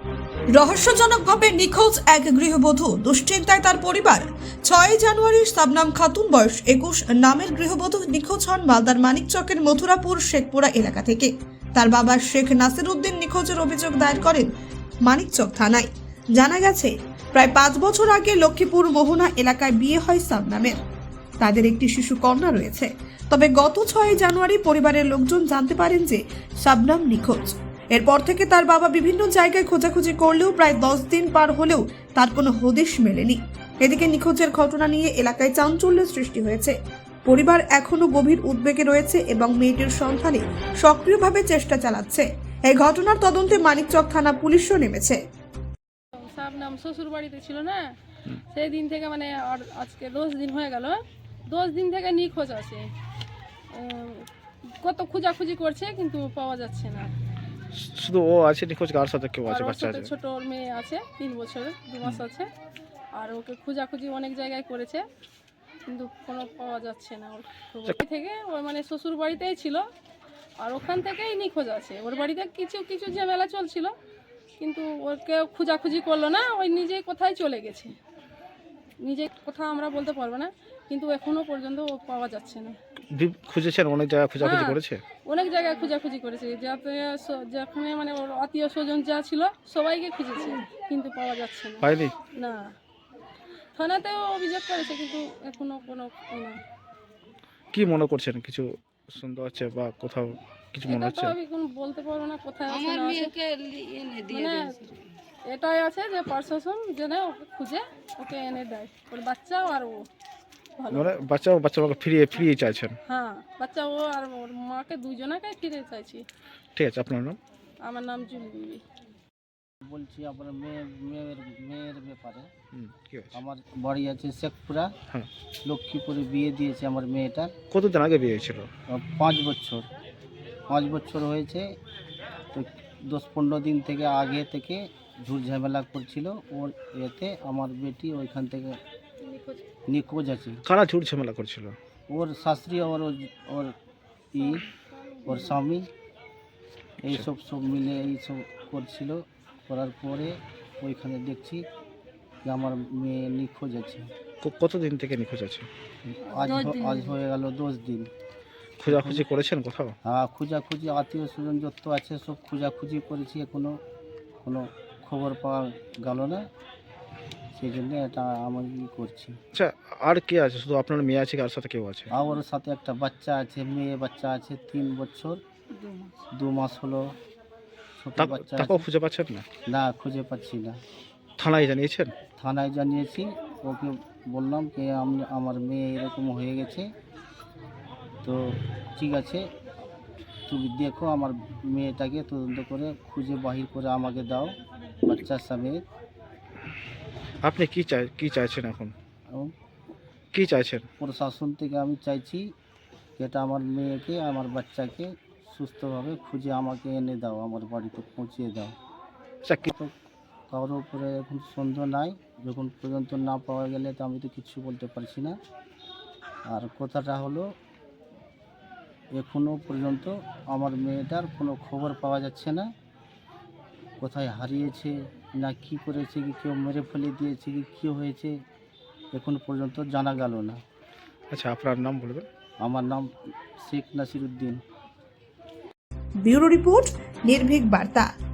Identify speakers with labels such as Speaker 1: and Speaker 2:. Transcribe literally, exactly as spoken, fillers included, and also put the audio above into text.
Speaker 1: রহস্যজনকভাবে নিখোঁজ এক গৃহবধূ, দুশ্চিন্তায় তার পরিবার। ছয় জানুয়ারি শাবনাম খাতুন বয়স একুশ নামের গৃহবধূ নিখোঁজ হন মালদার মানিকচকের মথুরাপুর শেখপুরা এলাকা থেকে। তার বাবা শেখ নাসির উদ্দিন নিখোঁজের অভিযোগ দায়ের করেন মানিকচক থানায়। জানা গেছে, প্রায় পাঁচ বছর আগে লক্ষ্মীপুর মোহনা এলাকায় বিয়ে হয় শাবনামের। তাদের একটি শিশু কন্যা রয়েছে। তবে গত ছয় জানুয়ারি পরিবারের লোকজন জানতে পারেন যে শাবনাম নিখোঁজ। এরপর থেকে তার বাবা বিভিন্ন জায়গায় খোঁজাখুঁজি করলেও প্রায় দশ দিন পার হলেও তার কোনো হদিশ মেলেনি। এদিকে নিখোঁজের ঘটনা নিয়ে এলাকায় চাঞ্চল্যের সৃষ্টি হয়েছে। পরিবার এখনো গভীর উদ্বেগে রয়েছে এবং মেয়েটির সন্ধানে সক্রিয়ভাবে চেষ্টা চালাচ্ছে। এই ঘটনার তদন্তে মানিকচক থানা পুলিশও নেমেছে।
Speaker 2: শাবনাম শ্বশুর বাড়িতে ছিল না, সেই দিন থেকে মানে আর আজকে দশ দিন হয়ে গেল। দশ দিন থেকে নিখোঁজ আছে। কত খোঁজাখুঁজি করছে কিন্তু পাওয়া যাচ্ছে না।
Speaker 3: শুধু ও আছে নিখোঁজ, কার সাথে কেউ আছে? বাচ্চা আছে,
Speaker 2: ছোট ওর মেয়ে আছে, তিন বছরের দু মাস আছে। আর ওকে খোঁজাখুঁজি অনেক জায়গায় করেছে কিন্তু কোনো পাওয়া যাচ্ছে না। ওর থেকে ওর মানে শ্বশুর বাড়িতেই ছিল আর ওখান থেকেই নিখোঁজ আছে। ওর বাড়িতে কিছু কিছু ঝামেলা চলছিল কিন্তু ওকে খোঁজাখুঁজি করলো না, ওই নিজেই কোথায় চলে গেছে। নিজে কোথাও আমরা বলতে পারবো না কিন্তু এখনো পর্যন্ত ও পাওয়া যাচ্ছে না।
Speaker 3: খুঁজেছেন অনেক জায়গায়, খোঁজাখুঁজি করেছে
Speaker 2: অনেক জায়গায় খোঁজাখুঁজি করেছে, যাতে যেখানে মানে ওর আত্মীয় স্বজন যা ছিল সবাইকে খুঁজেছে কিন্তু পাওয়া যাচ্ছে না।
Speaker 3: পাইনি
Speaker 2: না, থানাতেও অভিযোগ করেছে কিন্তু এখনো কোনো না।
Speaker 3: কি মনে করছেন? কিছু শুনতে হচ্ছে বা কোথাও কিছু মনে হচ্ছে?
Speaker 2: আমি কোনো বলতে পারবো না কোথায় আছে না আছে। মানে এটাই আছে যে প্রশাসন যেন ওকে খুঁজে ওকে এনে দেয়, ওর বাচ্চা আর ও ভালো।
Speaker 3: মানে বাচ্চা বাচ্চা মাকে ফিরিয়ে ফিরিয়ে চাইছেন?
Speaker 2: হ্যাঁ, বাচ্চা ও আর ওর মাকে দুজনকে ফিরে চাইছি।
Speaker 3: ঠিক আছে, আপনার নাম?
Speaker 2: আমার নাম জুলি বিবি।
Speaker 4: বলছি আমার মেয়ে মেয়ের মেয়ের ব্যাপারে।
Speaker 3: কি হয়েছে?
Speaker 4: আমার বাড়ি আছে শেখপুরা,
Speaker 3: হ্যাঁ।
Speaker 4: লক্ষ্মীপুরে বিয়ে দিয়েছে আমার মেয়েটার।
Speaker 3: কতদিন আগে বিয়ে হয়েছিল?
Speaker 4: পাঁচ বছর পাঁচ বছর হয়েছে। তো দশ পনেরো দিন থেকে আগে থেকে ঝুট ঝামেলা করছিল ওর এতে আমার বেটি ওইখান থেকে নিখোঁজ আছে।
Speaker 3: কারা ঝুট ঝামেলা করছিল?
Speaker 4: ওর শাশুড়ি আর ওর ওর ই ওর স্বামী এইসব সব মিলে এইসব করছিল। করার পরে ওইখানে দেখছি যে আমার মেয়ে নিখোঁজ আছে।
Speaker 3: ক- কতদিন থেকে নিখোঁজ আছে?
Speaker 4: আজ হ- আজ হয়ে গেল দশ দিন।
Speaker 3: খোঁজাখুঁজি করেছেন কোথাও?
Speaker 4: হ্যাঁ, খোঁজাখুঁজি আত্মীয় স্বজন যত আছে সব খোঁজাখুঁজি করেছি, এখনো কোনো খবর পাওয়া গেল না। সেই জন্য এটা আমি ই করছি।
Speaker 3: আচ্ছা, আর কে আছে? শুধু আপনার মেয়ে আছে, কার সাথে কেউ আছে?
Speaker 4: আর ওর সাথে একটা বাচ্চা আছে, মেয়ে বাচ্চা আছে, তিন বছর দু মাস হলো। ছোট
Speaker 3: তা-
Speaker 4: বাচ্চা
Speaker 3: তাকেও
Speaker 4: আছে।
Speaker 3: খুঁজে পাচ্ছেন না?
Speaker 4: না, খুঁজে পাচ্ছি না।
Speaker 3: থানায় জানিয়েছেন?
Speaker 4: থানায় জানিয়েছি, ওকে বললাম যে আমি আমার মেয়ে এরকম হয়ে গেছে, তো ঠিক আছে তুমি দেখো আমার মেয়েটাকে তদন্ত করে খুঁজে বাহির করে আমাকে দাও বাচ্চার সমেত।
Speaker 3: আপনি কি চাই কি চাইছেন এখন?
Speaker 4: এবং
Speaker 3: কি চাইছেন?
Speaker 4: প্রশাসন থেকে আমি চাইছি যেটা আমার মেয়েকে আমার বাচ্চাকে সুস্থভাবে খুঁজে আমাকে এনে দাও, আমার বাড়িতে পৌঁছিয়ে দাও।
Speaker 3: আচ্ছা, কি
Speaker 4: তো কারোর উপরে এখন সন্দেহ নাই, যখন পর্যন্ত না পাওয়া গেলে তো আমি তো কিচ্ছু বলতে পারছি না। আর কথাটা হলো এখনো পর্যন্ত আমার মেয়েটার কোনো খবর পাওয়া যাচ্ছে না। কোথায় হারিয়েছে না কি করেছে, কি কেউ মেরে ফেলে দিয়েছে, কি কী হয়েছে এখনো পর্যন্ত জানা গেল না।
Speaker 3: আচ্ছা, আপনার নাম বলবেন?
Speaker 4: আমার নাম শেখ নাসির উদ্দিন।
Speaker 1: ব্যুরো রিপোর্ট, নির্ভীক বার্তা।